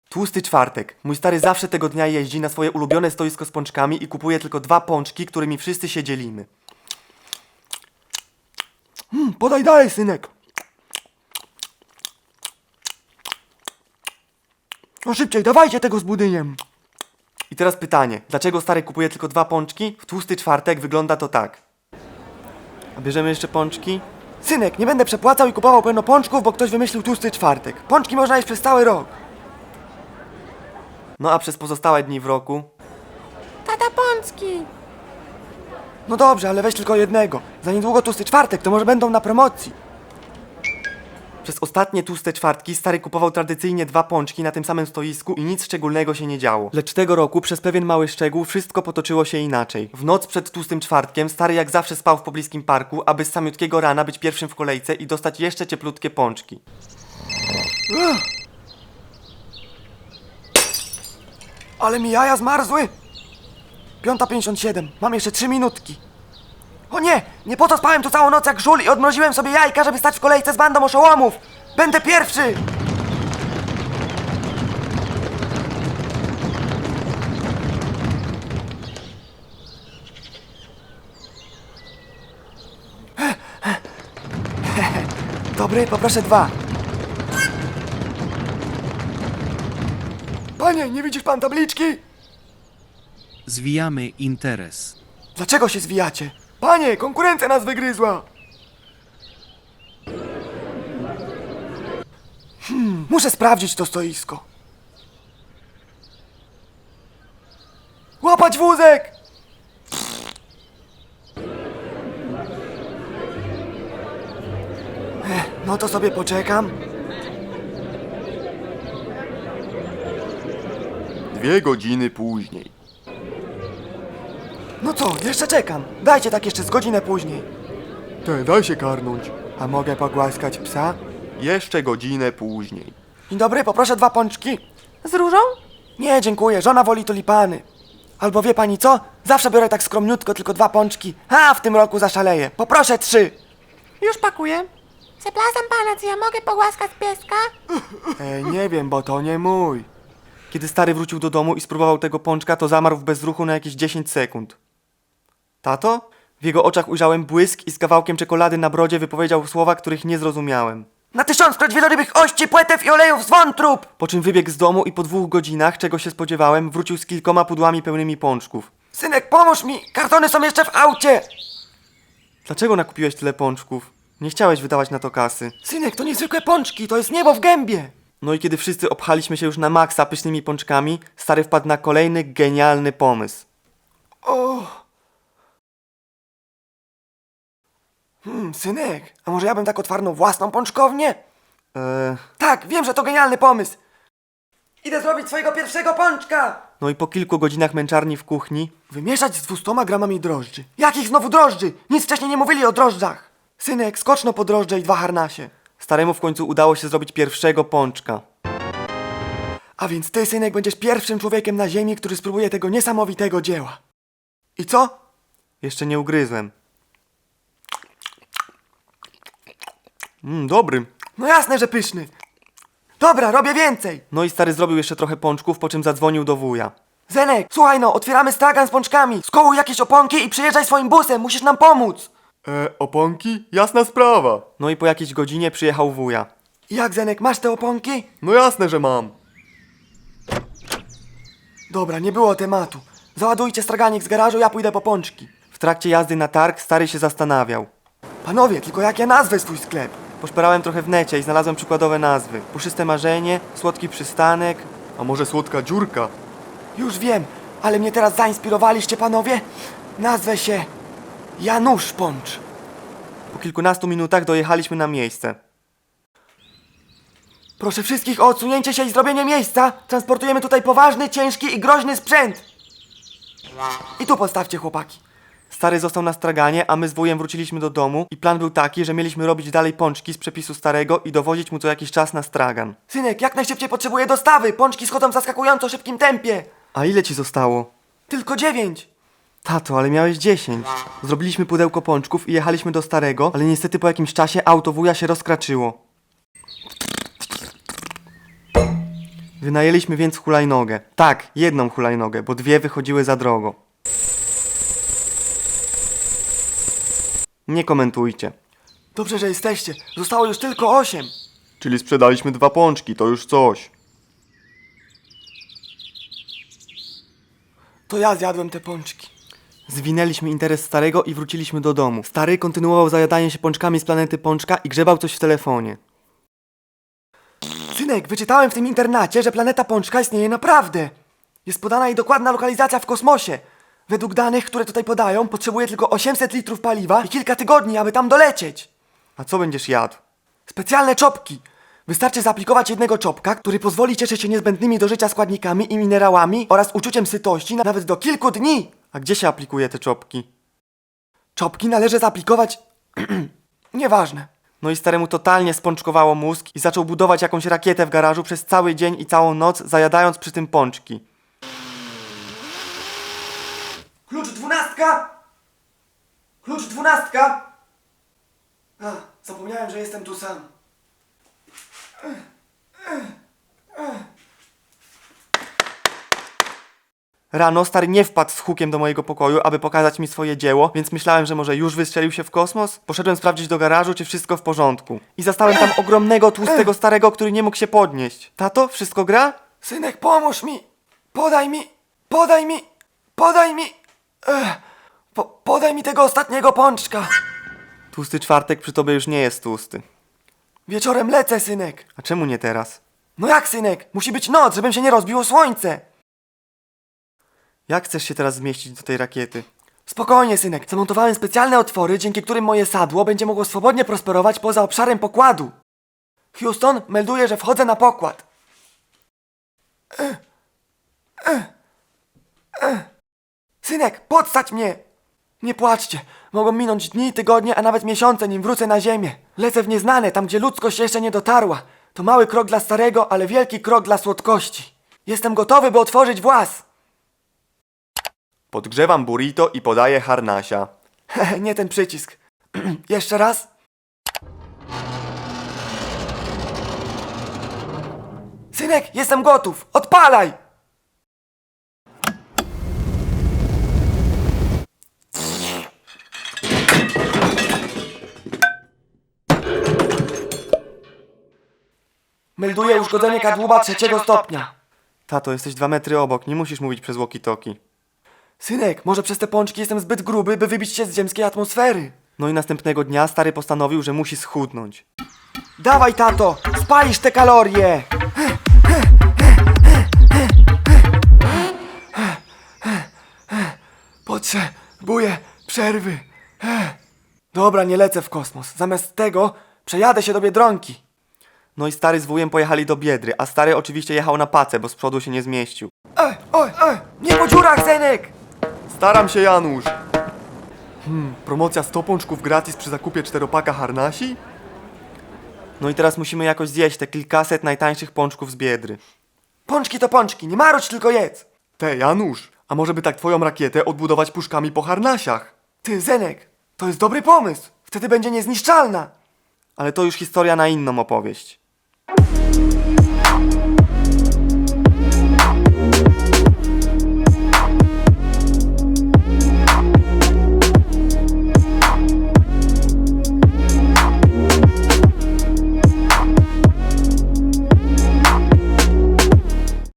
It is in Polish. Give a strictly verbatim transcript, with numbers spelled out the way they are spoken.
Tłusty czwartek. Mój stary zawsze tego dnia jeździ na swoje ulubione stoisko z pączkami i kupuje tylko dwa pączki, którymi wszyscy się dzielimy. Hmm, podaj dalej, synek. No szybciej, dawajcie tego z budyniem. I teraz pytanie, dlaczego stary kupuje tylko dwa pączki? W tłusty czwartek wygląda to tak. A bierzemy jeszcze pączki? Synek, nie będę przepłacał i kupował pełno pączków, bo ktoś wymyślił tłusty czwartek. Pączki można jeść przez cały rok. No a przez pozostałe dni w roku? Tata pączki! No dobrze, ale weź tylko jednego. Za niedługo tłusty czwartek, to może będą na promocji. Przez ostatnie tłuste czwartki stary kupował tradycyjnie dwa pączki na tym samym stoisku i nic szczególnego się nie działo. Lecz tego roku przez pewien mały szczegół wszystko potoczyło się inaczej. W noc przed tłustym czwartkiem stary jak zawsze spał w pobliskim parku, aby z samiutkiego rana być pierwszym w kolejce i dostać jeszcze cieplutkie pączki. Ale mi jaja zmarzły! piąta pięćdziesiąt siedem, mam jeszcze trzy minutki. O nie! Nie po to spałem tu całą noc jak żul i odmroziłem sobie jajka, żeby stać w kolejce z bandą oszołomów! Będę pierwszy! Dobry, poproszę dwa. Panie, nie widzisz pan tabliczki? Zwijamy interes. Dlaczego się zwijacie? Panie, konkurencja nas wygryzła! Hmm, muszę sprawdzić to stoisko. Łapać wózek! Ech, no to sobie poczekam. Dwie godziny później. No co, jeszcze czekam. Dajcie tak jeszcze z godzinę później. Te, daj się karnąć. A mogę pogłaskać psa? Jeszcze godzinę później. Dzień dobry, poproszę dwa pączki. Z różą? Nie, dziękuję, żona woli tulipany. Albo wie pani co? Zawsze biorę tak skromniutko, tylko dwa pączki. A, w tym roku zaszaleję. Poproszę trzy. Już pakuję. Przepraszam pana, czy ja mogę pogłaskać pieska? Ej, nie wiem, bo to nie mój. Kiedy stary wrócił do domu i spróbował tego pączka, to zamarł w bezruchu na jakieś dziesięć sekund. Tato? W jego oczach ujrzałem błysk i z kawałkiem czekolady na brodzie wypowiedział słowa, których nie zrozumiałem. Na tysiąckroć wielorybych ości, płetew i olejów z wątrób! Po czym wybiegł z domu i po dwóch godzinach, czego się spodziewałem, wrócił z kilkoma pudłami pełnymi pączków. Synek, pomóż mi! Kartony są jeszcze w aucie! Dlaczego nakupiłeś tyle pączków? Nie chciałeś wydawać na to kasy. Synek, to niezwykłe pączki, to jest niebo w gębie! No i kiedy wszyscy obchaliśmy się już na maksa pysznymi pączkami, stary wpadł na kolejny genialny pomysł. O. Hmm, synek, a może ja bym tak otwarnął własną pączkownię? Eee... Tak, wiem, że to genialny pomysł! Idę zrobić swojego pierwszego pączka! No i po kilku godzinach męczarni w kuchni... Wymieszać z dwustoma gramami drożdży. Jakich znowu drożdży? Nic wcześniej nie mówili o drożdżach! Synek, skoczno po drożdże i dwa harnasie. Staremu w końcu udało się zrobić pierwszego pączka. A więc ty, synek, będziesz pierwszym człowiekiem na ziemi, który spróbuje tego niesamowitego dzieła. I co? Jeszcze nie ugryzłem. Mmm, dobry. No jasne, że pyszny. Dobra, robię więcej. No i stary zrobił jeszcze trochę pączków, po czym zadzwonił do wuja. Zenek, słuchaj no, otwieramy stragan z pączkami. Skołuj jakieś oponki i przyjeżdżaj swoim busem, musisz nam pomóc. E, oponki? Jasna sprawa. No i po jakiejś godzinie przyjechał wuja. Jak, Zenek, masz te oponki? No jasne, że mam. Dobra, nie było tematu. Załadujcie straganik z garażu, ja pójdę po pączki. W trakcie jazdy na targ stary się zastanawiał. Panowie, tylko jak ja nazwę swój sklep? Poszperałem trochę w necie i znalazłem przykładowe nazwy. Puszyste marzenie, słodki przystanek... A może słodka dziurka? Już wiem, ale mnie teraz zainspirowaliście, panowie. Nazwę się... Janusz Pącz. Po kilkunastu minutach dojechaliśmy na miejsce. Proszę wszystkich o odsunięcie się i zrobienie miejsca. Transportujemy tutaj poważny, ciężki i groźny sprzęt. I tu postawcie, chłopaki. Stary został na straganie, a my z wujem wróciliśmy do domu i plan był taki, że mieliśmy robić dalej pączki z przepisu starego i dowozić mu co jakiś czas na stragan. Synek, jak najszybciej potrzebuję dostawy. Pączki schodzą w zaskakująco szybkim tempie. A ile ci zostało? Tylko dziewięć. Tato, ale miałeś dziesięć. Zrobiliśmy pudełko pączków i jechaliśmy do starego, ale niestety po jakimś czasie auto wuja się rozkraczyło. Wynajęliśmy więc hulajnogę. Tak, jedną hulajnogę, bo dwie wychodziły za drogo. Nie komentujcie. Dobrze, że jesteście. Zostało już tylko osiem. Czyli sprzedaliśmy dwa pączki, to już coś. To ja zjadłem te pączki. Zwinęliśmy interes starego i wróciliśmy do domu. Stary kontynuował zajadanie się pączkami z planety Pączka i grzebał coś w telefonie. Synek, wyczytałem w tym internacie, że planeta Pączka istnieje naprawdę. Jest podana jej dokładna lokalizacja w kosmosie. Według danych, które tutaj podają, potrzebuje tylko osiemset litrów paliwa i kilka tygodni, aby tam dolecieć. A co będziesz jadł? Specjalne czopki. Wystarczy zaaplikować jednego czopka, który pozwoli cieszyć się niezbędnymi do życia składnikami i minerałami oraz uczuciem sytości na- nawet do kilku dni. A gdzie się aplikuje te czopki? Czopki należy zaaplikować... Nieważne. No i staremu totalnie spączkowało mózg i zaczął budować jakąś rakietę w garażu przez cały dzień i całą noc, zajadając przy tym pączki. Klucz dwunastka! Klucz dwunastka! A, zapomniałem, że jestem tu sam. Rano stary nie wpadł z hukiem do mojego pokoju, aby pokazać mi swoje dzieło, więc myślałem, że może już wystrzelił się w kosmos. Poszedłem sprawdzić do garażu, czy wszystko w porządku. I zastałem tam ogromnego, tłustego starego, który nie mógł się podnieść. Tato, wszystko gra? Synek, pomóż mi! Podaj mi! Podaj mi! Podaj mi! Ech, po, podaj mi tego ostatniego pączka! Tłusty czwartek przy tobie już nie jest tłusty. Wieczorem lecę, synek! A czemu nie teraz? No jak, synek? Musi być noc, żebym się nie rozbiło słońce! Jak chcesz się teraz zmieścić do tej rakiety? Spokojnie, synek. Zamontowałem specjalne otwory, dzięki którym moje sadło będzie mogło swobodnie prosperować poza obszarem pokładu. Houston, melduję, że wchodzę na pokład. Ech, ech, ech. Synek, podstać mnie! Nie płaczcie. Mogą minąć dni, tygodnie, a nawet miesiące, nim wrócę na ziemię. Lecę w nieznane, tam gdzie ludzkość jeszcze nie dotarła. To mały krok dla starego, ale wielki krok dla słodkości. Jestem gotowy, by otworzyć włas. Podgrzewam burrito i podaję harnasia. Nie ten przycisk. Jeszcze raz. Synek, jestem gotów. Odpalaj! Melduję uszkodzenie kadłuba trzeciego stopnia. Tato, jesteś dwa metry obok, nie musisz mówić przez walkie-talkie. Synek, może przez te pączki jestem zbyt gruby, by wybić się z ziemskiej atmosfery. No i następnego dnia stary postanowił, że musi schudnąć. Dawaj, tato! Spalisz te kalorie! Potrzebuję przerwy. Dobra, nie lecę w kosmos. Zamiast tego przejadę się do Biedronki. No i stary z wujem pojechali do Biedry, a stary oczywiście jechał na pacę, bo z przodu się nie zmieścił. Ej, oj, ej! Nie po dziurach, synek! Staram się, Janusz! Hmm, promocja sto pączków gratis przy zakupie czteropaka harnasi? No i teraz musimy jakoś zjeść te kilkaset najtańszych pączków z Biedry. Pączki to pączki, nie marudź, tylko jedz. Te, Janusz, a może by tak twoją rakietę odbudować puszkami po harnasiach? Ty, Zenek, to jest dobry pomysł. Wtedy będzie niezniszczalna. Ale to już historia na inną opowieść.